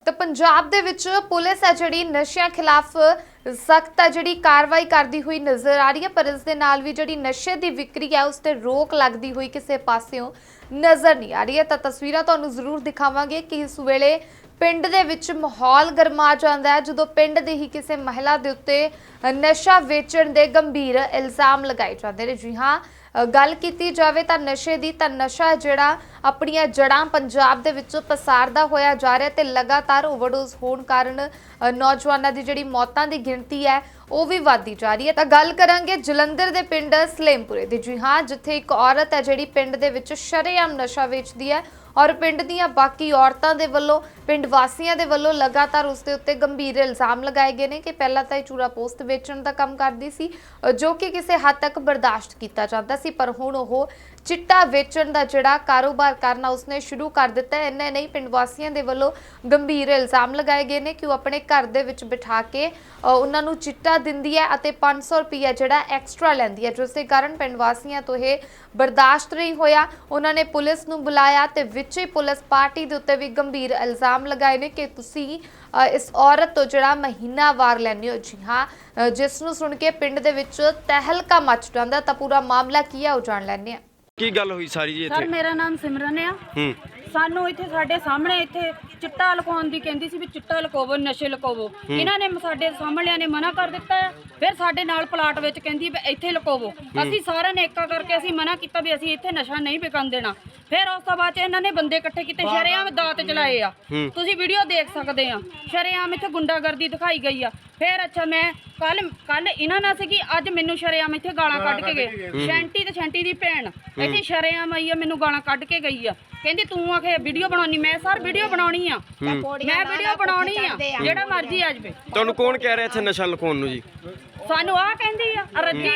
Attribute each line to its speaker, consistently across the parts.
Speaker 1: ਤਾਂ ਪੰਜਾਬ ਦੇ ਵਿੱਚ ਪੁਲਿਸ ਹੈ ਜਿਹੜੀ ਨਸ਼ਿਆਂ ਖਿਲਾਫ ਸਖਤ ਜਿਹੜੀ ਕਾਰਵਾਈ ਕਰਦੀ ਹੋਈ ਨਜ਼ਰ ਆ ਰਹੀ ਹੈ, ਪਰ ਇਸ ਦੇ ਨਾਲ ਵੀ ਜਿਹੜੀ ਨਸ਼ੇ ਦੀ ਵਿਕਰੀ ਹੈ ਉਸ ਤੇ ਰੋਕ ਲੱਗਦੀ ਹੋਈ ਕਿਸੇ ਪਾਸਿਓਂ ਨਜ਼ਰ ਨਹੀਂ ਆ ਰਹੀ ਹੈ। ਤਾਂ ਤਸਵੀਰਾਂ ਤੁਹਾਨੂੰ ਜ਼ਰੂਰ ਦਿਖਾਵਾਂਗੇ ਕਿ ਇਸ ਵੇਲੇ ਪਿੰਡ ਦੇ ਵਿੱਚ ਮਾਹੌਲ ਗਰਮਾ ਜਾਂਦਾ ਹੈ ਜਦੋਂ ਪਿੰਡ ਦੇ ਹੀ ਕਿਸੇ ਮਹਿਲਾ ਦੇ ਉੱਤੇ ਨਸ਼ਾ ਵੇਚਣ ਦੇ ਗੰਭੀਰ ਇਲਜ਼ਾਮ ਲਗਾਏ ਜਾਂਦੇ ਨੇ। ਜੀ ਹਾਂ, ਗੱਲ ਕੀਤੀ ਜਾਵੇ ਤਾਂ ਨਸ਼ੇ ਦੀ, ਤਾਂ ਨਸ਼ਾ ਜਿਹੜਾ ਆਪਣੀਆਂ ਜੜਾਂ ਪੰਜਾਬ ਦੇ ਵਿੱਚ ਪਸਾਰਦਾ ਹੋਇਆ ਜਾ ਰਿਹਾ ਤੇ ਲਗਾਤਾਰ ਓਵਰਡੋਜ਼ ਹੋਣ ਕਾਰਨ ਨੌਜਵਾਨਾਂ ਦੀ ਜਿਹੜੀ ਮੌਤਾਂ ਦੀ ਗਿਣਤੀ ਹੈ ਉਹ ਵੀ ਵਧਦੀ ਜਾ ਰਹੀ ਹੈ। ਤਾਂ ਗੱਲ ਕਰਾਂਗੇ ਜਲੰਧਰ ਦੇ ਪਿੰਡ ਸਲੇਮਪੁਰੇ ਦੀ। ਜੀ ਹਾਂ, ਜਿੱਥੇ ਇੱਕ ਔਰਤ ਹੈ ਜਿਹੜੀ ਪਿੰਡ ਦੇ ਵਿੱਚ ਸ਼ਰੇਆਮ ਨਸ਼ਾ ਵੇਚਦੀ ਹੈ ਔਰ ਪਿੰਡ ਦੀਆਂ ਬਾਕੀ ਔਰਤਾਂ ਦੇ ਵੱਲੋਂ, ਪਿੰਡ ਵਾਸੀਆਂ ਦੇ ਵੱਲੋਂ ਲਗਾਤਾਰ ਉਸ ਦੇ ਉੱਤੇ ਗੰਭੀਰ ਇਲਜ਼ਾਮ ਲਗਾਏ ਗਏ ਨੇ ਕਿ ਪਹਿਲਾਂ ਤਾਂ ਇਹ ਚੂਰਾ ਪੋਸਟ ਵੇਚਣ ਦਾ ਕੰਮ ਕਰਦੀ ਸੀ ਜੋ ਕਿ ਕਿਸੇ ਹੱਦ ਤੱਕ ਬਰਦਾਸ਼ਤ ਕੀਤਾ ਜਾਂਦਾ ਸੀ, ਪਰ ਹੁਣ ਉਹ ਚਿੱਟਾ ਵੇਚਣ ਦਾ ਜਿਹੜਾ ਕਾਰੋਬਾਰ ਕਰਨਾ ਉਸਨੇ ਸ਼ੁਰੂ ਕਰ ਦਿੱਤਾ ਹੈ। ਇੰਨੇ ਨਹੀਂ, ਪਿੰਡ ਵਾਸੀਆਂ ਦੇ ਵੱਲੋਂ ਗੰਭੀਰ ਇਲਜ਼ਾਮ ਲਗਾਏ ਗਏ ਨੇ ਕਿ ਉਹ ਆਪਣੇ ਘਰ ਦੇ ਵਿੱਚ ਬਿਠਾ ਕੇ ਉਹਨਾਂ ਨੂੰ ਚਿੱਟਾ ਦਿੰਦੀ ਹੈ ਅਤੇ 500 ਰੁਪਇਆ ਜਿਹੜਾ ਐਕਸਟਰਾ ਲੈਂਦੀ ਹੈ, ਜਿਸ ਦੇ ਕਾਰਨ ਪਿੰਡ ਵਾਸੀਆਂ ਤੋਂ ਇਹ ਬਰਦਾਸ਼ਤ ਨਹੀਂ ਹੋਇਆ। ਉਹਨਾਂ ਨੇ ਪੁਲਿਸ ਨੂੰ ਬੁਲਾਇਆ ਤੇ ਵਿੱਚ ਹੀ ਪੁਲਿਸ ਪਾਰਟੀ ਦੇ ਉੱਤੇ ਵੀ ਗੰਭੀਰ ਇਲਜ਼ਾਮ ਲਗਾਏ ਨੇ ਕਿ ਤੁਸੀਂ ਇਸ ਔਰਤ ਤੋਂ ਜਿਹੜਾ ਮਹੀਨਾਵਾਰ ਲੈਂਦੇ ਹੋ। ਜੀ ਹਾਂ, ਜਿਸ ਨੂੰ ਸੁਣ ਕੇ ਪਿੰਡ ਦੇ ਵਿੱਚ ਤਹਿਲਕਾ ਮਚ ਜਾਂਦਾ। ਤਾਂ ਪੂਰਾ ਮਾਮਲਾ ਕੀ ਹੈ ਉਹ ਜਾਣ ਲੈਂਦੇ ਹਾਂ।
Speaker 2: ਕੀ ਗੱਲ ਹੋਈ ਸਾਰੀ ਜੀ ਇੱਥੇ?
Speaker 3: ਸਰ, ਮੇਰਾ ਨਾਮ ਸਿਮਰਨ ਆ। ਸਾਨੂੰ ਇੱਥੇ ਸਾਡੇ ਸਾਹਮਣੇ ਇੱਥੇ ਚਿੱਟਾ ਲੁਕਾਉਣ ਦੀ ਕਹਿੰਦੀ ਸੀ ਵੀ ਚਿੱਟਾ ਲੁਕਾਵੋ, ਨਸ਼ੇ ਲੁਕਾਵੋ। ਇਹਨਾਂ ਨੇ ਸਾਡੇ ਸਾਹਮਣਿਆਂ ਨੇ ਮਨਾ ਕਰ ਦਿੱਤਾ ਹੈ। ਫਿਰ ਸਾਡੇ ਨਾਲ ਪਲਾਟ ਵਿੱਚ ਕਹਿੰਦੀ ਵੀ ਇੱਥੇ ਲੁਕਾਵੋ। ਅਸੀਂ ਸਾਰਿਆਂ ਨੇ ਏਕਾ ਕਰਕੇ ਅਸੀਂ ਮਨਾ ਕੀਤਾ ਵੀ ਅਸੀਂ ਇੱਥੇ ਨਸ਼ਾ ਨਹੀਂ ਵਿਕਣ ਦੇਣਾ। ਫਿਰ ਉਸ ਤੋਂ ਬਾਅਦ ਇਹਨਾਂ ਨੇ ਬੰਦੇ ਇਕੱਠੇ ਕੀਤੇ, ਸ਼ਰੇਆਮ ਦਾਤ ਚਲਾਏ ਆ। ਤੁਸੀਂ ਵੀਡੀਓ ਦੇਖ ਸਕਦੇ ਆ, ਸ਼ਰੇਆਮ ਇੱਥੇ ਗੁੰਡਾਗਰਦੀ ਦਿਖਾਈ ਗਈ ਆ। ਫਿਰ ਅੱਛਾ, ਮੈਂ ਕੱਲ ਇਹਨਾਂ ਨਾਲ ਸੀਗੀ, ਅੱਜ ਮੈਨੂੰ ਸ਼ਰੇਆਮ ਇੱਥੇ ਗਾਲਾਂ ਕੱਢ ਕੇ ਗਏ। ਸ਼ੈਂਟੀ ਤੇ ਸ਼ੈਂਟੀ ਦੀ ਭੈਣ ਇੱਥੇ ਸ਼ਰੇਆਮ ਆਈ ਆ, ਮੈਨੂੰ ਗਾਲਾਂ ਕੱਢ ਕੇ ਗਈ ਆ। ਕਹਿੰਦੀ ਤੂੰ ਆਖੇ ਵੀਡੀਓ ਬਣਾਉਣੀ। ਮੈਂ ਸਰ ਵੀਡੀਓ ਬਣਾਉਣੀ ਆ, ਮੈਂ ਵੀਡੀਓ ਬਣਾਉਣੀ ਆ, ਜਿਹੜਾ ਮਰਜ਼ੀ ਆ ਜਾਵੇ।
Speaker 2: ਤੁਹਾਨੂੰ ਕੌਣ ਕਹਿ ਰਿਹਾ ਇੱਥੇ ਨਸ਼ਾ ਲੁਕਾਉਣ ਨੂੰ ਜੀ?
Speaker 3: ਸਾਨੂੰ ਆਹ ਕਹਿੰਦੀ ਆ,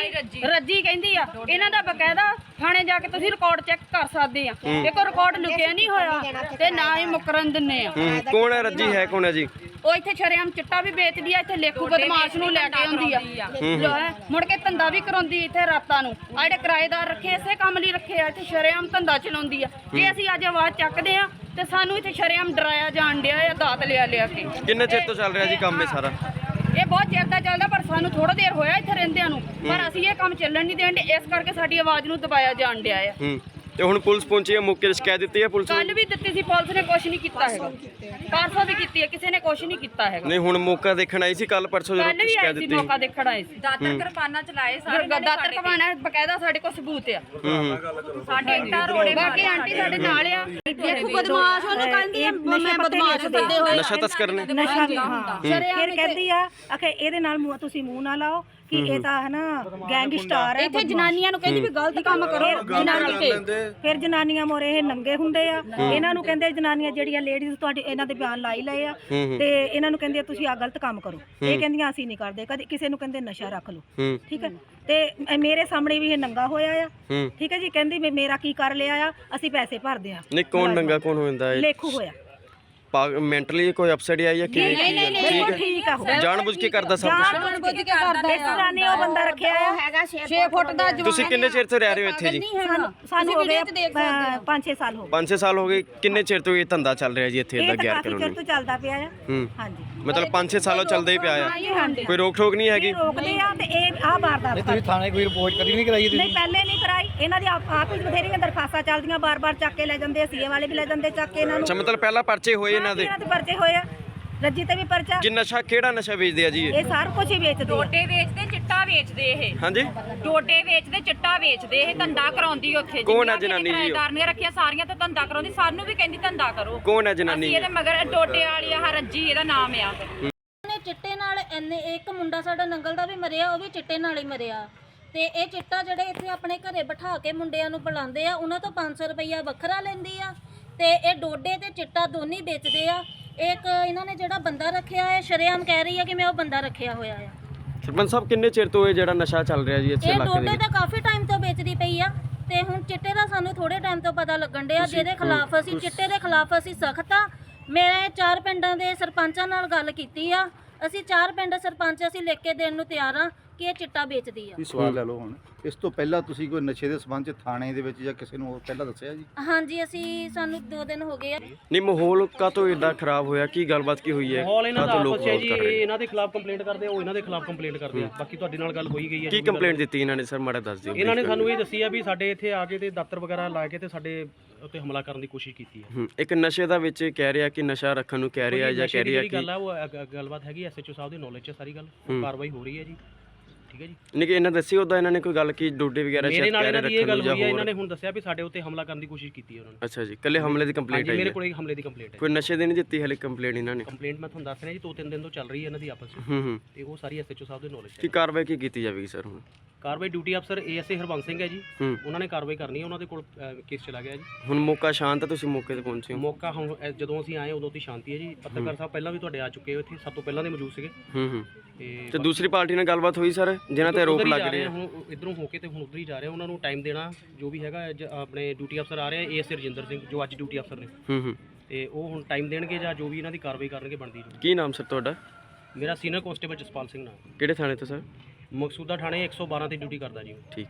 Speaker 3: ਰੱਜੀ ਕਹਿੰਦੀ ਆ। ਇਹਨਾਂ ਦਾ ਬਕਾਇਦਾ ਥਾਣੇ ਜਾ ਕੇ ਤੁਸੀਂ ਰਿਕਾਰਡ ਚੈੱਕ ਕਰ ਸਕਦੇ ਆ। ਦੇਖੋ ਰਿਕਾਰਡ ਲੁਕਿਆ ਨਹੀਂ ਹੋਇਆ ਤੇ ਨਾ ਹੀ ਮੁਕਰਨ ਦਿੰਨੇ ਆ।
Speaker 2: ਕੌਣ ਹੈ ਰੱਜੀ? ਹੈ ਕੌਣ ਹੈ ਜੀ?
Speaker 3: ਉਹ ਇੱਥੇ ਸ਼ਰੇਆਮ ਚਿੱਟਾ ਵੀ ਵੇਚਦੀ ਆ, ਇੱਥੇ ਲੇਖੂ ਬਦਮਾਸ਼ ਨੂੰ ਲੈ ਕੇ ਆਉਂਦੀ ਆ, ਮੁੜ ਕੇ ਧੰਦਾ ਵੀ ਕਰਾਉਂਦੀ ਇੱਥੇ ਰਾਤਾਂ ਨੂੰ। ਆ ਜਿਹੜੇ ਕਿਰਾਏਦਾਰ ਰੱਖੇ ਇਸੇ ਕੰਮ ਲਈ ਰੱਖੇ ਆ, ਇੱਥੇ ਸ਼ਰੇਆਮ ਧੰਦਾ ਚਲਾਉਂਦੀ ਆ। ਜੇ ਅਸੀਂ ਅੱਜ ਆਵਾਜ਼ ਚੱਕਦੇ ਆ ਤੇ ਸਾਨੂੰ ਇੱਥੇ ਸ਼ਰੇਆਮ ਡਰਾਇਆ ਜਾਣ ਡਿਆ ਆ, ਦਾਤ ਲਿਆ ਕੇ।
Speaker 2: ਕਿੰਨੇ ਚਿਰ ਤੋਂ ਚੱਲ ਰਿਹਾ ਜੀ ਕੰਮ ਇਹ ਸਾਰਾ?
Speaker 3: ਇਹ ਬਹੁਤ ਚਿਰ ਦਾ ਚੱਲਦਾ, ਪਰ ਸਾਨੂੰ ਥੋੜਾ ਦੇਰ ਹੋਇਆ ਇੱਥੇ ਰਹਿੰਦਿਆਂ ਨੂੰ, ਪਰ ਅਸੀਂ ਇਹ ਕੰਮ ਚੱਲਣ ਨਹੀਂ ਦੇਣ। ਇਸ ਕਰਕੇ ਸਾਡੀ ਆਵਾਜ਼ ਨੂੰ ਦਬਾਇਆ ਜਾਣ ਡਿਆ ਆ।
Speaker 2: ਤੇ ਹੁਣ ਪੁਲਿਸ ਪਹੁੰਚੀ ਹੈ, ਮੌਕੇ ਤੇ ਸ਼ਿਕਾਇਤ ਦਿੱਤੀ ਹੈ ਪੁਲਿਸ ਨੂੰ?
Speaker 3: ਕੱਲ ਵੀ ਦਿੱਤੀ ਸੀ, ਪੁਲਿਸ ਨੇ ਕੁਝ ਨਹੀਂ ਕੀਤਾ ਹੈਗਾ। ਪਰਸੋਂ ਵੀ ਕੀਤੀ ਹੈ, ਕਿਸੇ ਨੇ ਕੁਝ ਨਹੀਂ ਕੀਤਾ ਹੈਗਾ।
Speaker 2: ਨਹੀਂ, ਹੁਣ ਮੌਕਾ ਦੇਖਣ ਆਈ ਸੀ ਕੱਲ ਪਰਸੋਂ ਜਦੋਂ
Speaker 3: ਕੱਲ ਵੀ
Speaker 2: ਸ਼ਿਕਾਇਤ
Speaker 3: ਆਏ ਸੀ,
Speaker 2: ਦਿੱਤੀ?
Speaker 3: ਮੌਕਾ ਦੇਖਣ ਆਏ ਸੀ।
Speaker 4: ਦਾਤਰ ਕਿਰਪਾਨਾਂ ਚਲਾਏ ਸਾਰੇ।
Speaker 3: ਦਾਤਰ ਕਮਾਣਾ ਬਕਾਇਦਾ ਸਾਡੇ ਕੋਲ ਸਬੂਤ ਆ।
Speaker 4: ਸਾਡੇ ਇੱਟਾਂ ਰੋੜੇ
Speaker 3: ਬਾਕੀ ਆਂਟੀ ਸਾਡੇ ਨਾਲ ਆ। ਦੇਖੋ ਬਦਮਾਸ਼ ਉਹਨੂੰ ਕਹਿੰਦੀ ਆ, ਮੈਂ ਬਦਮਾਸ਼ ਸੱਦੇ ਹੋਏ
Speaker 2: ਨਸ਼ਾ ਤਸਕਰ ਨੇ।
Speaker 5: ਨਸ਼ਾ ਵੀ ਹਾਂ। ਫਿਰ ਕਹਿੰਦੀ ਆ ਕਿ ਇਹਦੇ ਨਾਲ ਤੁਸੀਂ ਮੂੰਹ ਨਾ ਲਾਓ ਕਿ ਇਹ ਤਾਂ ਹੈ ਨਾ ਗੈਂਗਸਟਰ ਹੈ।
Speaker 3: ਇੱਥੇ ਜਨਾਨੀਆਂ ਨੂੰ ਕਹਿੰਦੀ ਵੀ ਗਲਤ ਕੰਮ ਕਰੋ ਜਨਾਨੀ ਤੇ।
Speaker 5: ਫਿਰ ਜਨਾਨੀਆਂ ਮੋਰੇ ਇਹ ਨੰਗੇ ਹੁੰਦੇ ਆ। ਇਹਨਾਂ ਨੂੰ ਕਹਿੰਦੇ ਜਨਾਨੀਆਂ ਜਿਹੜੀਆਂ ਲੇਡੀਜ਼ ਤੁਹਾਡੇ ਇਹਨਾਂ ਦੇ ਬਿਆਨ ਲਾਈ ਲਏ ਆ ਤੇ ਇਹਨਾਂ ਨੂੰ ਕਹਿੰਦੇ ਤੁਸੀਂ ਆ ਗਲਤ ਕੰਮ ਕਰੋ। ਇਹ ਕਹਿੰਦੀਆਂ ਅਸੀਂ ਨਹੀਂ ਕਰਦੇ। ਕਦੇ ਕਿਸੇ ਨੂੰ ਕਹਿੰਦੇ ਨਸ਼ਾ ਰੱਖ ਲਓ, ਠੀਕ ਹੈ। ਤੇ ਮੇਰੇ ਸਾਹਮਣੇ ਵੀ ਇਹ ਨੰਗਾ ਹੋਇਆ ਆ, ਠੀਕ ਹੈ ਜੀ। ਕਹਿੰਦੀ ਵੀ ਮੇਰਾ ਕੀ ਕਰ ਲਿਆ ਆ, ਅਸੀਂ ਪੈਸੇ ਭਰਦੇ ਆ।
Speaker 2: ਨਹੀਂ, ਕੌਣ ਨੰਗਾ ਕੌਣ ਹੋ ਜਾਂਦਾ ਹੈ?
Speaker 5: ਲੇਖੂ ਹੋਇਆ।
Speaker 2: ਮੈਂਟਲੀ ਕੋਈ ਅਪਸੈਟ ਆਈ ਜਾਂ ਕਿਵੇਂ?
Speaker 5: ਠੀਕ ਆ,
Speaker 2: ਜਾਣਬੁੱਝ ਕੇ ਕਰਦਾ ਸਭ ਕੁਝ?
Speaker 3: ਜਾਣਬੁੱਝ ਕੇ ਕਰਦਾ।
Speaker 5: ਇਸ ਤਰ੍ਹਾਂ ਨੇ ਉਹ ਬੰਦਾ ਰੱਖਿਆ ਆ ਹੈਗਾ
Speaker 3: 6 ਫੁੱਟ ਦਾ।
Speaker 2: ਤੁਸੀਂ ਕਿੰਨੇ ਚਿਰ ਤੋਂ ਰਹਿ ਰਹੇ ਹੋ ਇੱਥੇ ਜੀ?
Speaker 5: ਸਾਨੂੰ ਹੋ ਗਏ 5-6 ਸਾਲ ਹੋ ਗਏ।
Speaker 2: 5-6 ਸਾਲ ਹੋ ਗਏ। ਕਿੰਨੇ ਚਿਰ ਤੋਂ ਇਹ ਧੰਦਾ ਚੱਲ ਰਿਹਾ ਜੀ ਇੱਥੇ ਦਾ ਗੈਰ
Speaker 5: ਕਾਫੀ ਚਿਰ
Speaker 2: ਕਾਨੂੰਨੀ?
Speaker 5: ਤੋਂ ਚੱਲਦਾ ਪਿਆ ਆ। ਹਾਂਜੀ,
Speaker 2: ਮਤਲਬ 5-6 ਸਾਲੋਂ ਚੱਲਦਾ ਹੀ ਪਿਆ ਆ। ਕੋਈ ਰੋਕ ਠੋਕ ਨਹੀਂ ਹੈਗੀ?
Speaker 5: ਰੋਕਦੇ ਆ ਤੇ ਇਹ ਆਹ ਵਾਰਦਾਤ
Speaker 6: ਤੁਸੀਂ ਥਾਣੇ ਕੋਈ ਰਿਪੋਰਟ ਕਦੀ ਨਹੀਂ ਕਰਾਈ?
Speaker 5: ਨਹੀਂ, ਪਹਿਲੇ ਨਹੀਂ ਕਰਾਈ। ਇਹਨਾਂ ਦੀ ਆਪ ਹੀ ਬਥੇਰੀਆਂ ਦਰਖਾਸਤਾਂ ਚੱਲਦੀਆਂ, ਬਾਰ-ਬਾਰ ਚੱਕ ਕੇ ਲੈ ਜਾਂਦੇ ਆ। ਸੀਏ ਵਾਲੇ ਵੀ ਲੈ ਜਾਂਦੇ ਚੱਕ ਕੇ ਇਹਨਾਂ ਨੂੰ।
Speaker 2: ਅੱਛਾ, ਮਤਲਬ ਪਹਿਲਾਂ ਪਰਚੇ ਹੋਏ ਇਹਨਾਂ ਦੇ?
Speaker 5: ਇਹਨਾਂ ਦੇ ਪਰਚੇ ਹੋਏ ਆ, ਰੱਜੀ ਤੇ ਵੀ ਪਰਚਾ।
Speaker 2: ਕਿ ਨਸ਼ਾ ਕਿਹੜਾ ਨਸ਼ਾ ਵੇਚਦੇ ਆ ਜੀ
Speaker 5: ਇਹ ਸਾਰਾ ਕੁਝ ਹੀ ਵੇਚਦੇ ਆ।
Speaker 4: ਡੋਡੇ ਵੇਚਦੇ, ਚਿੱਟਾ ਵੇਚਦੇ। ਇਹ
Speaker 2: ਹਾਂਜੀ,
Speaker 4: ਡੋਡੇ ਵੇਚਦੇ, ਚਿੱਟਾ ਵੇਚਦੇ। ਇਹ ਧੰਦਾ ਕਰਾਉਂਦੀ ਉੱਥੇ।
Speaker 2: ਕੌਣ ਹੈ ਜਨਾਨੀ ਜੀ?
Speaker 4: ਕਿਰਾਏਦਾਰ ਨੇ ਰੱਖਿਆ ਸਾਰੀਆਂ ਤੇ ਧੰਦਾ ਕਰਾਉਂਦੀ। ਸਾਨੂੰ ਵੀ ਕਹਿੰਦੀ ਧੰਦਾ ਕਰੋ।
Speaker 2: ਕੌਣ ਹੈ ਜਨਾਨੀ?
Speaker 4: ਇਹਦੇ ਮਗਰ ਡੋਡੇ ਵਾਲੀ ਆ ਰੱਜੀ, ਇਹਦਾ ਨਾਮ ਆ।
Speaker 7: ਚਿੱਟੇ ਨਾਲ ਇੰਨੇ ਇੱਕ ਮੁੰਡਾ ਸਾਡਾ ਨੰਗਲ ਦਾ ਵੀ ਮਰਿਆ, ਉਹ ਵੀ ਚਿੱਟੇ ਨਾਲ ਹੀ ਮਰਿਆ। ਤੇ ਇਹ ਚਿੱਟਾ ਜਿਹੜੇ ਇੱਥੇ ਆਪਣੇ ਘਰੇ ਬਿਠਾ ਕੇ ਮੁੰਡਿਆਂ ਨੂੰ ਬੁਲਾਉਂਦੇ ਆ, ਉਹਨਾਂ ਤੋਂ 500 ਰੁਪਈਆ ਵੱਖਰਾ ਲੈਂਦੀ ਆ। ਤੇ ਇਹ ਡੋਡੇ ਤੇ ਚਿੱਟਾ ਦੋਨੇ ਵੇਚਦੇ ਆ। ਇੱਕ ਇਹਨਾਂ ਨੇ ਜਿਹੜਾ ਬੰਦਾ ਰੱਖਿਆ ਹੈ, ਸ਼ਰੇਆਮ ਕਹਿ ਰਹੀ ਆ ਕਿ ਮੈਂ ਉਹ ਬੰਦਾ ਰੱਖਿਆ ਹੋਇਆ ਆ।
Speaker 2: ਸਰਪੰਚ ਸਾਹਿਬ, ਕਿੰਨੇ ਚਿਰ ਤੋਂ ਇਹ ਜਿਹੜਾ ਨਸ਼ਾ ਚੱਲ ਰਿਹਾ ਜੀ ਇੱਥੇ
Speaker 7: ਇਹ
Speaker 2: ਇਲਾਕੇ ਦੇ
Speaker 7: ਡੋਡੇ
Speaker 2: ਵਿੱਚ?
Speaker 7: ਤਾਂ ਕਾਫੀ ਟਾਈਮ ਤੋਂ ਵੇਚਦੀ ਪਈ ਆ ਤੇ ਹੁਣ ਚਿੱਟੇ ਦਾ ਸਾਨੂੰ ਥੋੜੇ ਟਾਈਮ ਤੋਂ ਪਤਾ ਲੱਗਣ ਡਿਆ, ਜਿਹਦੇ ਖਿਲਾਫ ਅਸੀਂ ਚਿੱਟੇ ਦੇ ਖਿਲਾਫ ਅਸੀਂ ਸਖਤ ਆ। ਮੈਂ 4 ਪਿੰਡਾਂ ਦੇ ਸਰਪੰਚਾਂ ਨਾਲ ਗੱਲ ਕੀਤੀ ਆ। ਅਸੀਂ 4 ਪਿੰਡ ਸਰਪੰਚ ਅਸੀਂ ਲਿਖ ਕੇ ਦੇਣ ਨੂੰ ਤਿਆਰ ਆ ਕਿ ਇਹ ਚਿੱਟਾ ਵੇਚਦੀ ਆ।
Speaker 6: ਵੀ ਸਵਾਲ ਲੈ ਲਓ ਹੁਣ, ਇਸ ਤੋਂ ਪਹਿਲਾਂ ਤੁਸੀਂ ਕੋਈ ਨਸ਼ੇ ਦੇ ਸੰਬੰਧ ਚ ਥਾਣੇ ਦੇ ਵਿੱਚ ਜਾਂ ਕਿਸੇ ਨੂੰ ਪਹਿਲਾਂ ਦੱਸਿਆ ਜੀ?
Speaker 7: ਹਾਂਜੀ ਸਾਨੂੰ 2 ਦਿਨ ਹੋ ਗਏ ਆ।
Speaker 2: ਨਹੀਂ ਮਾਹੌਲ ਕਾਹਤੋਂ ਇਦਾਂ ਖਰਾਬ ਹੋਇਆ, ਕੀ ਗੱਲਬਾਤ ਕੀ ਹੋਈ ਹੈ?
Speaker 8: ਮਾਹੌਲ ਇਹਨਾਂ ਦਾ
Speaker 2: ਕਾਹਤੋਂ ਲੋਕ
Speaker 8: ਆਪਸ 'ਚ ਹੈ
Speaker 2: ਵਿਰੋਧ
Speaker 8: ਜੀ,
Speaker 2: ਕਰ ਰਹੇ ਨੇ?
Speaker 8: ਇਹਨਾਂ ਦੇ ਖਿਲਾਫ ਕੰਪਲੇਂਟ ਕਰਦੇ ਆ, ਉਹ ਇਹਨਾਂ ਦੇ ਖਿਲਾਫ ਕੰਪਲੇਂਟ ਕਰਦੇ ਆ। ਬਾਕੀ ਤੁਹਾਡੇ ਨਾਲ ਗੱਲ ਹੋਈ ਗਈ ਹੈ।
Speaker 2: ਕੀ ਕੰਪਲੇਂਟ ਦਿੱਤੀ ਇਹਨਾਂ ਨੇ ਸਰ, ਮਾੜਾ ਦੱਸ ਦਿਓ।
Speaker 8: ਇਹਨਾਂ ਨੇ ਸਾਨੂੰ ਇਹ ਦੱਸੀ ਆ ਵੀ ਸਾਡੇ ਇੱਥੇ ਆ ਕੇ ਤੇ ਦਾਤਰ ਵਗੈਰਾ ਲਾ ਕੇ ਤੇ ਸਾਡੇ ਉੱਤੇ ਹਮਲਾ ਕਰਨ ਦੀ ਕੋਸ਼ਿਸ਼ ਕੀਤੀ ਹੈ।
Speaker 2: ਇੱਕ ਨਸ਼ੇ ਦਾ ਵਿੱਚ ਕਹਿ ਰਿਹਾ ਕਿ ਨਸ਼ਾ ਰੱਖਣ ਨੂੰ ਕਹਿ ਰਿਹਾ ਜਾਂ ਕਹਿ ਰਿਹਾ
Speaker 8: ਜਿਹੜੀ
Speaker 2: ਕਿ
Speaker 8: ਗੱਲ ਆ ਉਹ ਗੱਲਬਾਤ ਹੈਗੀ ਐਸਐਚਓ ਸਾਹਿਬ ਦੀ ਨੌਲੇਜ 'ਚ ਸਾਰੀ ਗੱਲ, ਕਾਰਵਾਈ ਹੋ ਰਹੀ ਹੈ ਜੀ। ਠੀਕ ਹੈ ਜੀ।
Speaker 2: ਨਹੀਂ ਕਿ ਇਹਨਾਂ ਦੱਸੀ ਉਦਾਂ ਇਹਨਾਂ ਨੇ ਕੋਈ ਗੱਲ ਕੀ ਡੋਡੇ ਵਗੈਰਾ
Speaker 8: ਮੇਰੇ ਨਾਲ ਇਹਨਾਂ ਦੀ ਇਹ ਗੱਲ ਹੋਈ ਹੈ,
Speaker 2: ਜਾਂ
Speaker 8: ਇਹਨਾਂ ਨੇ ਹੁਣ ਦੱਸਿਆ ਵੀ ਸਾਡੇ ਉੱਤੇ ਹਮਲਾ ਕਰਨ ਦੀ ਕੋਸ਼ਿਸ਼ ਕੀਤੀ ਹੈ ਉਹਨਾਂ ਨੇ।
Speaker 2: ਅੱਛਾ ਜੀ, ਕੱਲੇ ਹਮਲੇ ਦੀ ਕੰਪਲੇਂਟ ਆਈ
Speaker 8: ਮੇਰੇ
Speaker 2: ਹੈ?
Speaker 8: ਕੋਲ ਇੱਕ ਹਮਲੇ ਦੀ ਕੰਪਲੇਂਟ ਹੈ।
Speaker 2: ਕੋਈ ਨਸ਼ੇ ਦੀ ਨਹੀਂ ਦਿੱਤੀ ਹਲੇ ਕੰਪਲੇਂਟ ਇਹਨਾਂ ਨੇ?
Speaker 8: ਕੰਪਲੇਂਟ ਮੈਂ ਤੁਹਾਨੂੰ ਦੱਸ ਰਿਹਾ ਜੀ 2-3 ਦਿਨ ਤੋਂ ਚੱਲ ਰਹੀ ਹੈ ਇਹਨਾਂ ਦੀ ਆਪਸ ਵਿੱਚ,
Speaker 2: ਹੂੰ
Speaker 8: ਤੇ ਉਹ ਸਾਰੀ ਐਸਐਚਓ ਸਾਹਿਬ ਦੀ ਨੌਲੇਜ 'ਚ
Speaker 2: ਕੀ
Speaker 8: ਹੈ।
Speaker 2: ਕਾਰਵਾਈ ਕੀ ਕੀਤੀ ਜਾਵੇਗੀ ਸਰ ਹੁਣ?
Speaker 8: ਕਾਰਵਾਈ ਡਿਊਟੀ ਅਫਸਰ ਏਐਸਏ ਹਰਬੰਸ ਸਿੰਘ ਹੈ ਜੀ,
Speaker 2: ਹੂੰ।
Speaker 8: ਉਹਨਾਂ ਨੇ ਕਾਰਵਾਈ ਕਰਨੀ ਹੈ। ਉਹਨਾਂ ਦੇ ਕੋਲ ਕੇਸ ਚਲਾ ਗਿਆ ਜੀ।
Speaker 2: ਹੁਣ ਮੌਕਾ ਸ਼ਾਂਤ ਹੈ, ਤੁਸੀਂ ਮੌਕੇ ਤੇ ਪਹੁੰਚੇ ਹੋ?
Speaker 8: ਮੌਕਾ ਹੁਣ ਜਦੋਂ ਅਸੀਂ ਆਏ ਉਦੋਂ ਦੀ ਸ਼ਾਂਤੀ ਹੈ ਜੀ। ਪੱਤਰਕਾਰ ਸਾਹਿਬ ਪਹਿਲਾਂ ਵੀ ਤੁਹਾਡੇ ਆ ਚੁੱਕੇ ਹੋ ਇੱਥੇ, ਸਭ ਤੋਂ ਪਹਿਲਾਂ ਦੇ ਮੌਜੂਦ ਸੀਗੇ।
Speaker 2: ਹੂੰ
Speaker 8: ਤੇ
Speaker 2: ਤੇ ਦੂਸਰੀ ਪਾਰਟੀ ਨਾਲ ਗੱਲਬਾਤ ਹੋਈ ਸਰ, ਜਿਨ੍ਹਾਂ ਤੇ ਆਰੋਪ ਲੱਗ ਰਹੇ ਆ?
Speaker 8: ਹੁਣ ਇਧਰੋਂ ਹੋ ਕੇ ਤੇ ਹੁਣ ਉਧਰ ਹੀ ਜਾ ਰਹੇ ਆ। ਉਹਨਾਂ ਨੂੰ ਟਾਈਮ ਦੇਣਾ ਜੋ ਵੀ ਹੈਗਾ। ਆਪਣੇ ਡਿਊਟੀ ਅਫਸਰ ਆ ਰਹੇ ਆ ਏਐਸਏ ਰਜਿੰਦਰ ਸਿੰਘ, ਜੋ ਅੱਜ ਡਿਊਟੀ ਅਫਸਰ ਨੇ,
Speaker 2: ਹੂੰ
Speaker 8: ਤੇ ਉਹ ਹੁਣ ਟਾਈਮ ਦੇਣਗੇ ਜਾਂ ਜੋ ਵੀ ਇਹਨਾਂ ਦੀ ਕਾਰਵਾਈ ਕਰਨਗੇ ਬਣਦੀ ਜੋ।
Speaker 2: ਕੀ ਨਾਮ ਸਰ ਤੁਹਾਡਾ?
Speaker 8: ਮੇਰਾ ਸੀਨੀਅਰ ਕਾਂਸਟੇਬਲ ਜਸਪਾਲ ਸਿੰਘ ਨਾਮ,
Speaker 2: ਕਿਹੜੇ ਥਾਣੇ ਤੋਂ ਸਰ?
Speaker 8: ਮਕਸੂਦਾ ਥਾਣੇ 112 ਤੇ ਡਿਊਟੀ ਕਰਦਾ ਜੀ।
Speaker 2: ਠੀਕ।